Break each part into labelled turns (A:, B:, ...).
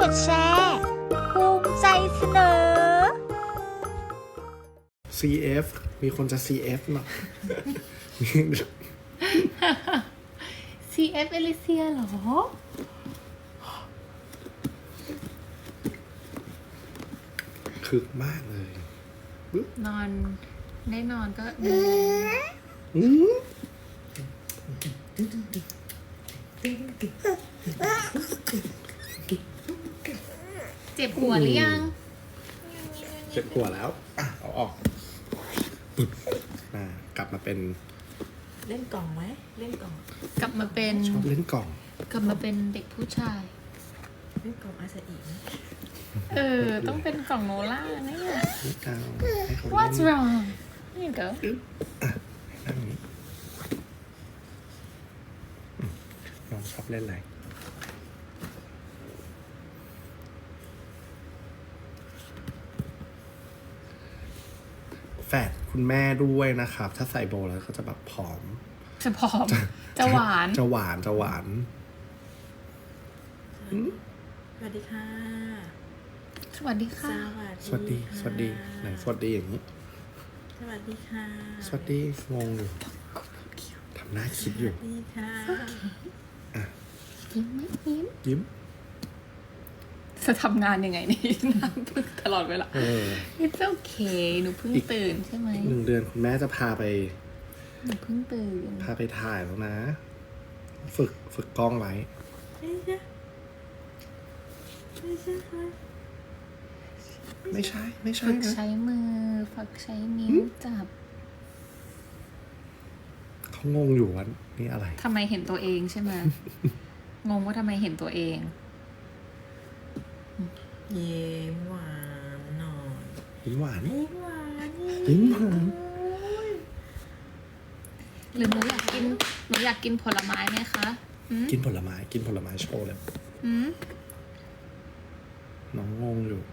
A: ดแชร์ภูมิใจเสนอ
B: CF มีคนจะ CF เนาะ
C: CF เอลิเซียเหรอ
B: คึกมากเลย
C: นอนได้นอนก็ดี
B: อืม
C: เจ็บหัวหรือยัง
B: เจ็บหัวแล้วเอาออกกลับมาเป็น
D: เล่นกล่องไหมเล่นกล่อง
C: กลับมาเป็น
B: ชอบเล่นกล่อง
C: กลับมาเป็นเด็กผู้ชาย
D: เล่นกล่องอาซาอิไหม
C: ต้องเป็นกล่องโนล่าเนี่ย
B: ไม่เอาให้เขาเล่น
C: What's wrong? Here you go.
B: นั่งนี้น้องชอบเล่นอะไรแฝดคุณแม่ด้วยนะครับ ถ้าใส่โบว์แล้วก็จะแบบผอม
C: จะผอม จะหวาน
B: จะหวานจะหวาน
D: สวัสดีค่ะ
C: สวัสดีค่ะ
B: สวัสดีสวัสดีไหนสวัสดีอย่างนี้
D: สวัสดีค่ะ
B: สวัสดีงงอยู่ทำหน้าคิดอยู่
D: สวัสดีค่ะ
C: ยิ้มไหมยิ้ม
B: ยิ้ม
C: จะทำงานยังไงนี่ น้ำพึ่งตลอดเวลา It's okay หนูเพิ่ง
B: อีก
C: ตื่นใช่ไหม
B: 1 เดือนคุณแม่จะพาไป
C: หนูเพิ่งตื่น
B: ถ่ายแล้วนะ ฝึกกล้องไว้
D: ไม่ใช่ไม่ใช่ค่ะ
B: ไม่ใช่ไม่ใช่
C: ฝึก
B: นะ
C: ใช้มือ ฝึกใช้นิ้วจับ
B: เขางงอยู่ว่านี่อะไร
C: ทำไมเห็นตัวเองใช่ไหม งงว่าทำไมเห็นตัวเอง
D: เยิ้มหวานหน่อย
B: ยิ้มหวาน
D: ยิ้มหวาน
B: ยิ้มหวาน
C: หรือหนูอยากกินผลไม้ไหมคะอืม
B: กินผลไม้โชว์เลย
C: อืม
B: น้องงงอยู่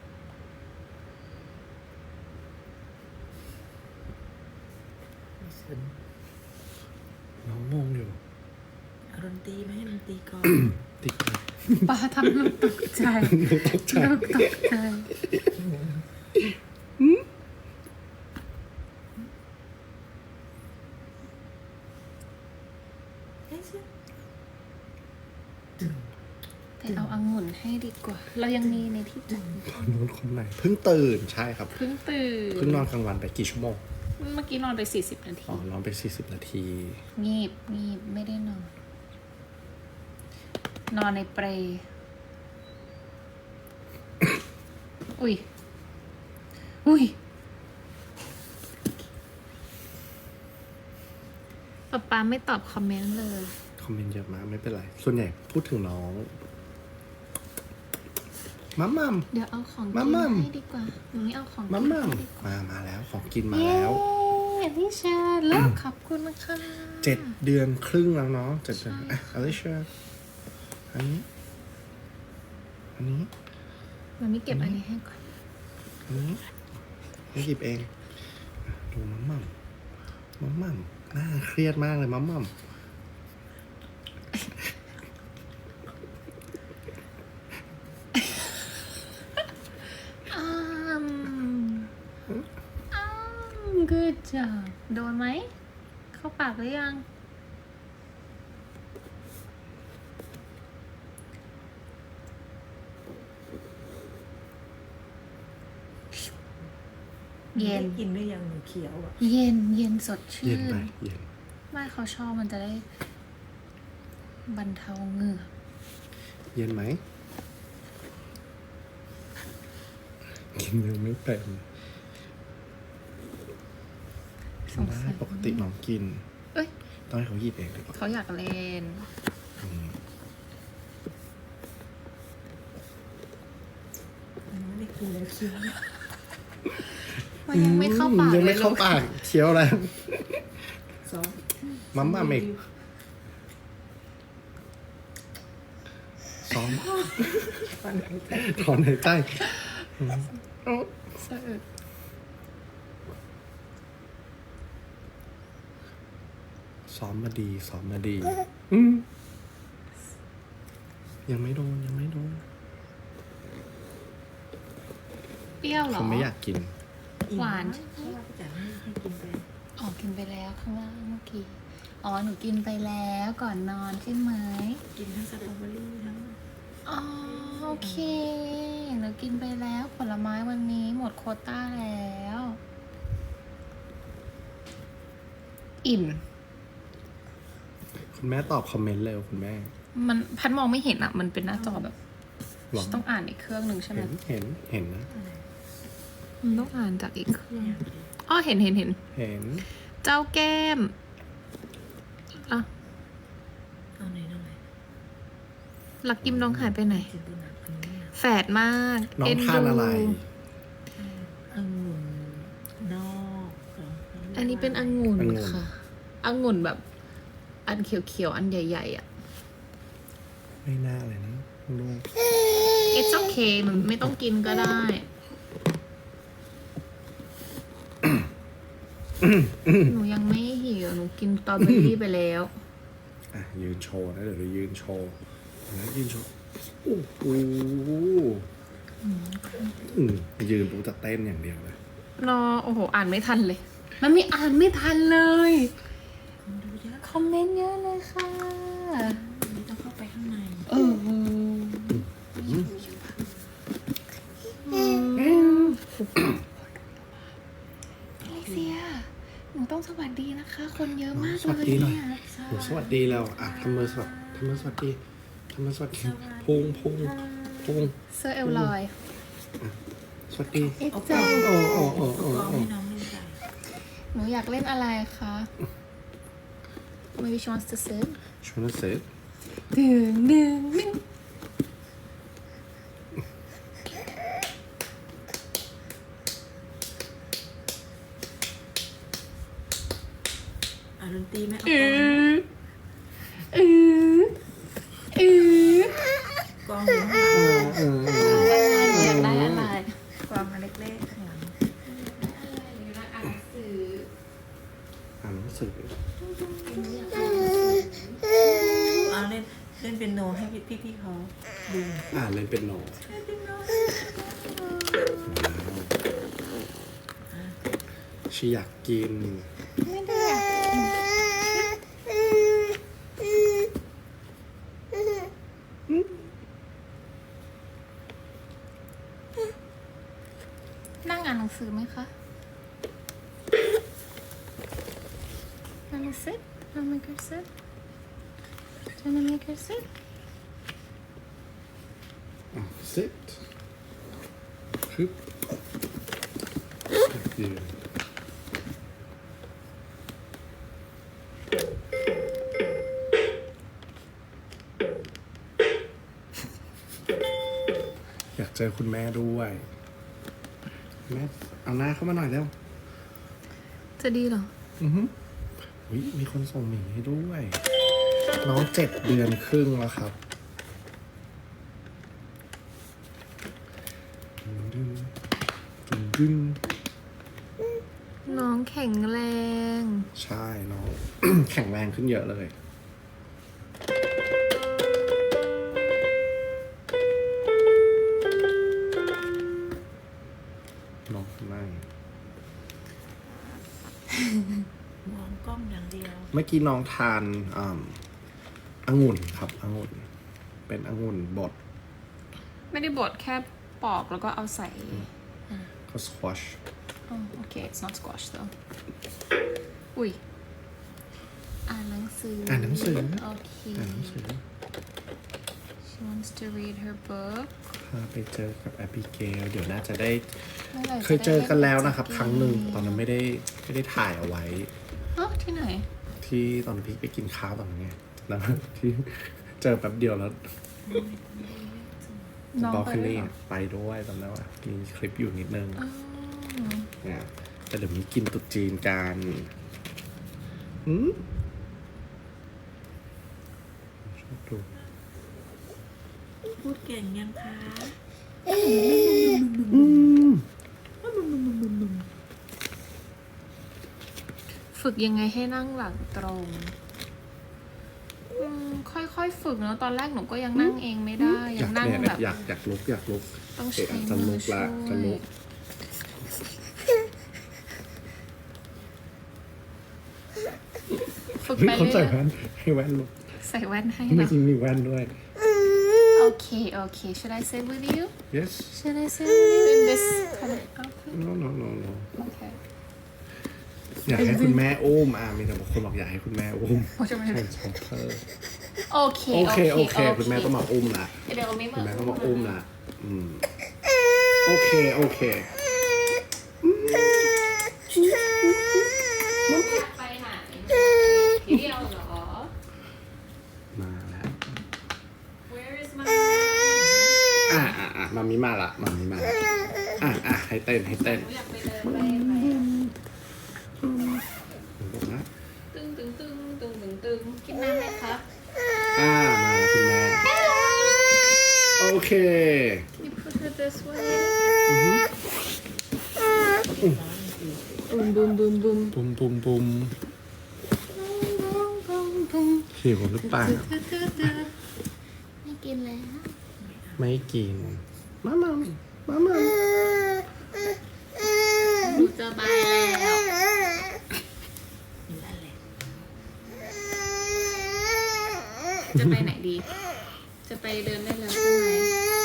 B: น้องงงอยู่
D: เอาดนตรีไหมให้ดนตรีก่อน
B: ติดเลย
C: ป้าทำลูกตกใจ
B: ตกใจ
C: ลูกตกใจ
D: ไม่ใช่
C: ไปเอาองุ่นให้ดีกว่า เรายังมีในที่จัด
B: คนนู้นคนไหนเพิ่งตื่นใช่ครับ
C: เพิ่งตื่น
B: เพิ่งนอนกลางวันไปกี่ชั่วโมง
C: เมื่อกี้นอนไป40 นาที
B: อ๋อนอนไป40 นาที
C: งีบไม่ได้นอน นอนในเปร อุ้ยป๊าไม่ตอบคอมเมนต์เลย
B: คอมเมนต์เยอะมากไม่เป็นไร ส่วนใหญ่พูดถึงน้องมัม
C: เดี๋ยวเอาของกิน
B: มัม
C: ให้ดีกว่าหนูไม่เอาของกิ
B: มัม
C: นให้ดีกว่า
B: มาแล้วของกินมาแล้ว
C: เย้พี่ชาลูกขอบคุณนะคะ
B: 7 เดือนครึ่งแล้วเนาะ7 เดือนอ่ะอลิเชียอันนี้
C: มันไม่เก็บอันนี้ให้ก่อน
B: ไม่หยิบเองอ่ะดูมัมน่าเครียดมากเลยมัม
C: อ้good job โดนไหม เข้าปากหรือยัง เย็น
D: กินได้ยังหนูเขียวอ่ะ
C: เย็นสด
B: เย็
C: ชื่
B: น
C: น
B: ไปเย็น
C: ไม่เขาชอบมันจะได้บรรเทาเหงื่อ
B: เย็นไหมกินยังไม่เป็น
C: สง
B: ได้
C: สัย
B: ปกติน้องกิน
C: เอ้ย
B: ต้องให้เขาหยิบเองดีกว่า
C: เขาอยากเล่น
D: มันไม่ได้กินแล้วเคี้ยว
C: มันยังไม่เข้าปาก
B: ยังไม่
C: ล
B: เข้าปากเคี้ยวแล้ว
D: สอง
B: มัมอีกซ้อม ถอนหายใจ
C: สะอึก
B: ซ้อมมาดียังไม่โดน
C: เปรี้ยวเหรอ
B: เขาไม่อยากกิน
C: หวาน
D: เพราะว่าพี่จ๋าให้กินไป
C: อ๋อกินไปแล้วข้างล่างเมื่อกี้อ๋อหนูกินไปแล้วก่อนนอนใช่ไหม
D: กินทั้งสตรอเบอรี่ทั้ง
C: อ๋อโอเคหนูกินไปแล้วผลไม้วันนี้หมดโควต้าแล้ว อิ่ม
B: คุณแม่ตอบคอมเมนต์เร็วคุณแม่
C: มันพัดมองไม่เห็นอ่ะ มันเป็นหน้าจอแบบ
B: หรอ
C: ต้องอ่านอีกเครื่องหนึ่งใช่ไหม
B: เห็นนะ
C: มันต้องอ่านจากอีกเครื่อง
D: อย่าง
C: อ๋อเห็น
B: เห็น
C: เจ้าแก้มอ่ะ
D: เอาไหนเอาไหน
C: หลักยิ้มน้องหายไปไหน
D: กินตัวหนักอันนี้
C: แฝดมาก
B: น้อง
C: เอ็น
B: ทาน
C: ดู
B: อะไร
D: องุ่นนอกเหร
C: อันนี้เป็นองุ่น
B: องุ่น
C: ค่ะองุ่นแบบ อันเขียวๆอันใหญ่ๆอ่ะ
B: ไม่น่าเลยนะลูก
C: It's okay มันไม่ต้องกินก็ได้ หนูยังไม่หิวหนูกินสตรอเบอรี่ไปแล้ว
B: อ่ะยืนโชว์นะเดี๋ยวเรายืนโชว์นะยืนโชว์โอ้โหยืนปุ๊บจะเต้นอย่างเดียวเลย
C: รอโอ้โห อ่านไม่ทันเลย มันไม่อ่านไม่ทันเลย
D: คนดูเยอะ
C: คอมเมนต์เยอะเลยค่ะ
D: อันนี้ต้องเข้าไปข้างใน
C: เอออลิเซีย หนูต้องสวัสดีนะคะ คนเยอะมาก
B: สวัส
C: เลย
B: ดีหน่อย
C: เนี่ย
B: หนูสวัสดีแล้วอ่ะทำมือสวัสดีทำมือสวัสดีทำมือสวัสดีพุง
C: เสื้อเอลลอย
B: สวัสดี
C: It's
B: โอ้โอ้โอ้โอ้
D: ลอง
B: โอ้
D: ให้น้องเล่นไป
C: หนูอยากเล่นอะไรคะ Maybe she wants to sit
B: ชวนเสร็จ
C: ดึงดึงดึง
D: ดนตรีไหมเอา
C: อื
D: กลอง
C: ออือก
D: ลองอยู่ข้างหลัง
C: อยากได้อะไร
D: กลองมาเล็กๆข้างหลัง
B: อ่านหนังสือ
D: เอาเล่นเปียโนให้พี่เขาดู
B: เล่นเป็นโนชีอยากกิน
C: ไม่ได้อยากนั่งอ่านหนังสือไหมคะ Wanna sit? Wanna make her sit? Wanna make her sit?
B: sit ฮึบยืนอยากเจอคุณแม่ด้วยแม่เอาหน้าเข้ามาหน่อยเร็ว
C: จะดีเหรอ
B: อุ๊ยมีคนส่งหมีให้ด้วย น้อง7 เดือนครึ่งแล้วครับดึง
C: น้องแข็งแรง
B: ใช่น้อง แข็งแรงขึ้นเยอะเลย น้องนั่ง
D: มองกล้องอย่างเดียว
B: เมื่อกี้น้องทานองุ่นครับองุ่น เป็นองุ่นบด
C: ไม่ได้บดแค่ปอกแล้วก็เอาใส่
B: ก็สควอช
C: อ๋อโอเค it's not squash though อุ้ย อ่านหนังสือ
B: อ่านหนังสือ
C: โอเค
B: อ่านหนังสือ
C: she wants to read her book
B: พาไปเจอกับแอบิเกลเดี๋ยวน่าจะได้
C: มื่อไหร่จะ
B: เคยเจอกันแล้วนะครับ
C: ได้
B: ครั้งหนึ่งตอนนั้นไม่ได้ถ่ายเอาไว้
C: อ๋อที่ไหน
B: ที่ตอนพี่ไปกินข้าวตอนนั้นไงแล้วที่เจอแป๊บเดียวแล้ว
C: น้อง
B: บอล
C: ไป
B: คัน
C: ด้วย
B: นี่
C: เหรอ
B: ไปด้วยตอนนั้นว่ามีคลิปอยู่นิดนึง
C: อ๋อ
B: เนี่ยแต่เดี๋ยวมีกินตุ๊จีนกันชอบดู
D: พูดเก่งยังคะ
C: ฝึกยังไงให้นั่งหลังตรง ค่อยๆฝึกเนาะตอนแรกหนูก็ยังนั่งเองไม่ได้
B: อ
C: ยั
B: ยาง ก
C: นั่ง
B: เนี่ย
C: แบบ
B: อยากลุก
C: ต้อง
B: เอ๊ะ
C: ใช้
B: จะ
C: มื
B: ลุ
C: อก ช่
B: ละ
C: ว
B: จะลุ
C: ย
B: ก
C: ฝึก
B: เฮ้ย
C: ไป
B: เขา
C: เรื่
B: ใส่
C: อย
B: แว่นให้แว่นลูก
C: ๆใส่แว่นให้
B: ไม่
C: นะ
B: จริงมีแว่นด้วย
C: โอเค should I sit with you
B: yes
C: should I sit with you in this kind of outfit
B: no no no no
C: okay
B: อยากให้คุณแม่อุ้มมีแต่บางคนบอกอยากให้คุณแม่อุ้ม
C: โอ้จะไม่
B: ใช่
C: ได้
B: ใช่เธอ
C: โอเค
B: โอเคโอเคคุณแม่ต้องมาอุ้มละ
C: เดี๋ยวไม่
B: คุณ
C: มา
B: แม่ต้องมาอุ้มละโอเคโอเค
C: ไปไหนเที่ยวเหรอ
B: มาแล้ว
C: Where is my
B: มามีมาละมามีมาให้เต้นให้เต้น
C: อยากไปเดินไป
B: บอกนะ
C: ตึงกินน้ำไหมคะ
B: มาคุณแม่โอเค
C: You put her this way บุม
B: ปุมหิวหรือเปล่า
C: ไม่กินแล้ว
B: ไม่กินมา
C: หนูจะบายแล้วจะไปไหนดี จะไปเดินได้แล้วใช่ไหม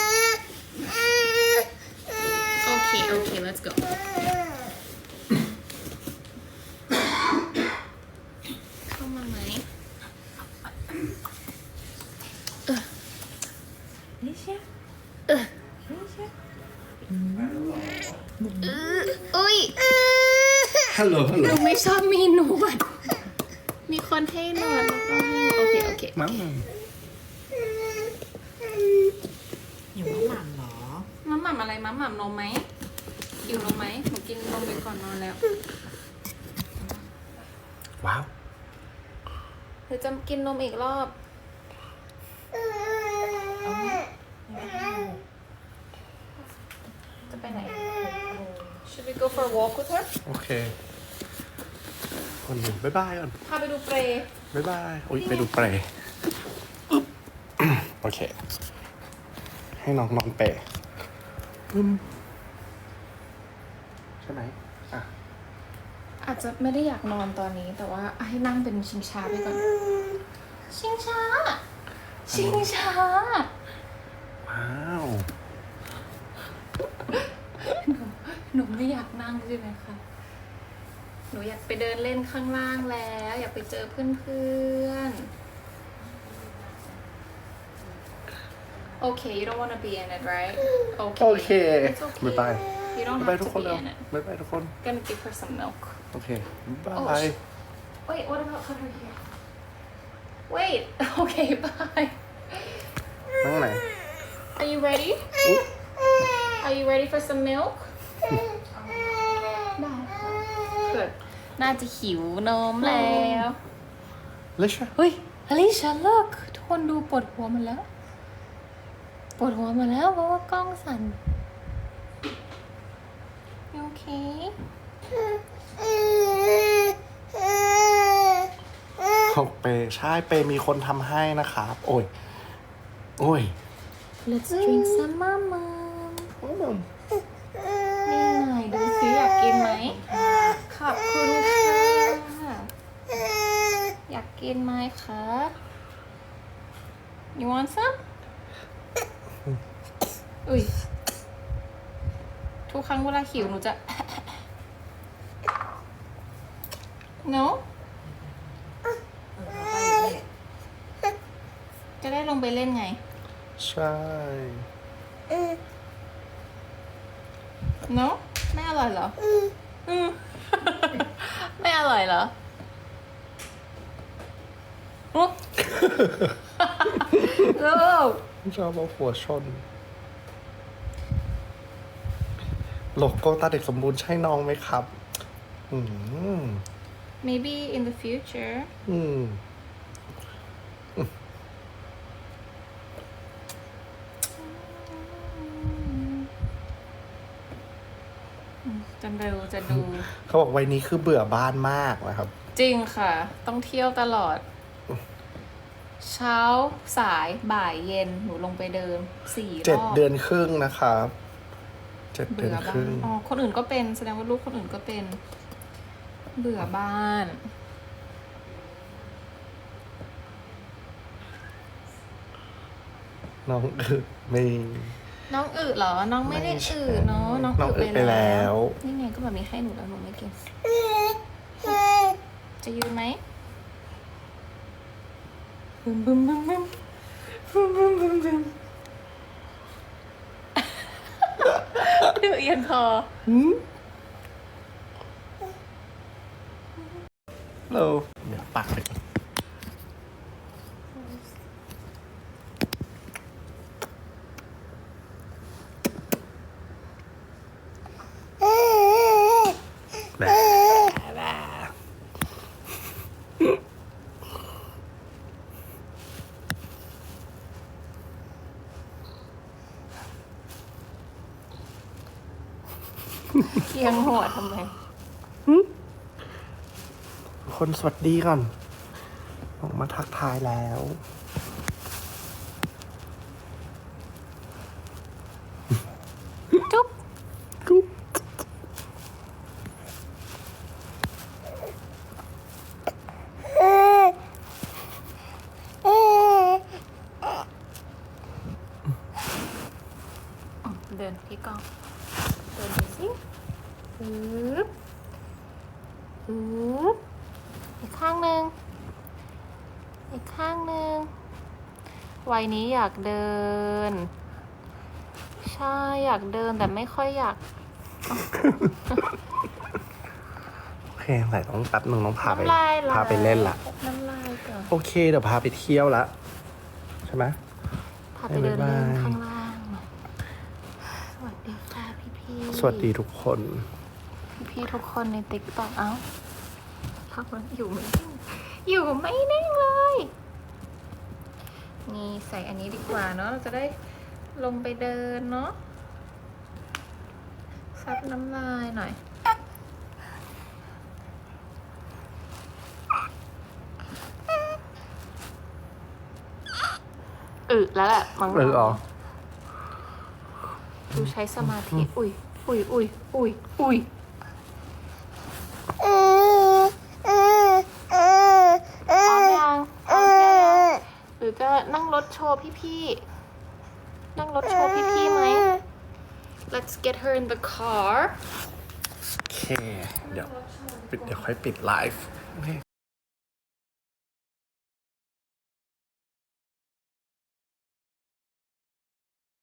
C: โอเค let's go เข้ามาไหม
D: นี่เชีย
C: อุ้ย
B: ฮัลโหล
C: หนูไม่ชอบมีหนวด มีคนให้หนวดแล้วก็ให้โอเค
B: มา
D: อยู่ว่าหม่ำเหรอ
C: มัมหม่ำอะไรมัมหม่ำนมไหมหิวนมไหมหนูกินนมไปก่อนนอนแล้ว
B: ว้าว
C: หรือจะกินนมอีกรอบ จะไปไหน Should we go for a walk with her
B: โอเคคนหนึ่งบ๊ายบายก่อน
C: พาไปดูเปรย์
B: บ๊ายบายโอ้ยไปดูเปรย์โอเค ให้น้องนอนเปรย์ใช่ไหม
C: อาจจะไม่ได้อยากนอนตอนนี้ แต่ว่าให้นั่งเป็นชิงช้าไปก่อน ชิงช้า
B: ว้าว
C: หนูไม่อยากนั่งใช่ไหมคะ หนูอยากไปเดินเล่นข้างล่างแล้ว อยากไปเจอเพื่อนๆ Okay you don't want to be in it right
B: โอ
C: Okay
B: เค
C: It's okay
B: บ๊ายบาย
C: You don't
B: บ๊ายบาย
C: have
B: ทุก
C: to
B: คน
C: be
B: แล้ว
C: in it
B: บ๊ายบายทุกคน
C: Gonna give her some milk
B: โอเคบ๊าย
C: Oh,
B: บาย
C: Wait what about put her here Wait Okay bye
B: นั่งไหน
C: Are you ready Are you ready for some milk ได้ค่ะเกิดน่าจะหิวนมแล้ว
B: เลช
C: เฮ้ยอลิชาเลิกทุกคนดูปวดหัวหมันแล้ว ปวดหัวหมาแล้วเพราะว่ากล้องสั่นโอเค
B: ของเปย์ใช่เปย์มีคนทำให้นะครับ โอ้ย
C: Let's drink some mama นี่ไงดูสิอยากกินไหมขอบคุณค่ะ อยากกินไหมคะ You want some อุ้ยทุกครั้งเวลาหิวหนูจะ No จะได้ลงไปเล่นไง
B: ใช่
C: No ไม่อร่อยเหรอ ไม่อร่อยเหรอโอ้
B: ชอบเอาหัวชน โลโก้ตาเด็กสมบูรณ์ใช่น้องไหมครับ
C: Maybe in the future จะดู
B: เขาบอกวัยนี้คือเบื่อบ้านมากนะครับ
C: จริงค่ะ ต้องเที่ยวตลอด เช้าสายบ่ายเย็นหนูลงไปเดิน4 รอบ
B: 7 เดือนครึ่งนะครับ7 เดื
C: เบื่
B: อน
C: อ
B: ค
C: บ้า
B: รึ่
C: น
B: ง
C: อ๋อคนอื่นก็เป็นแสดงว่าลูกคนอื่นก็เป็น เบื่อบ้าน
B: น้องไม่
C: น้องอึเหรอ น้องไม่ได้อึเนาะ น้อง
B: น้องอึ
C: อึ
B: ไปแล้ว
C: นี่ไงก็แบบมีให้หนูแล้วหนูไม่กิน จะยืนไหมบึมบึมบึมบึมบึมบึมบึมบึมดูเอียงคอ
B: เราเดี๋ยวปักไปก่อนแบบ
C: เอียงหัวทำไม
B: คนสวัสดีก่อนออกมาทักทายแล้ว
C: จุ๊บ
B: กุ๊บ
C: เดินพี่กองเดินดูสิปึ๊บปึ๊บอีกข้างหนึ่งอีกข้างหนึ่งวัยนี้อยากเดิน ใช่อยากเดินแต่ไม่ค่อยอยาก
B: โอเคใส่ต้องแป๊บหนึ่งต้องพาไป
C: น้ำลายไห
B: พาไปเล่นละ
C: น้ำลายก่อน
B: โอเค เดี๋ยวพาไปเที่ยวละใช่ไหม
C: พาไปเดินเล่น
B: บ๊ายบาย
C: ข้างล่างหน่อยสวัสดีค่ะพี่ๆ
B: สวัสดีทุกคน
C: พี่ทุกคนในติ๊กต็อกเอ้าพักมันอยู่ไม่นิ่งอยู่ไม่นิ่งเลย นี่ใส่อันนี้ดีกว่าเนาะ เราจะได้ลงไปเดินเนาะ ซับน้ำลายหน่อย แล้วแหละมั้ง
B: อ๋อ
C: ดูใช้สมาธิ อุ้ยอุ้ยอุ้ยอุ้ยอุ้ยพร้อมยังพร้อมยังหรือจะนั่งรถโชว์พี่ๆ นั่งรถโชว์พี่ๆไหม Let's get her in the car
B: โอเค เดี๋ยวค่อยปิดไลฟ์โอเค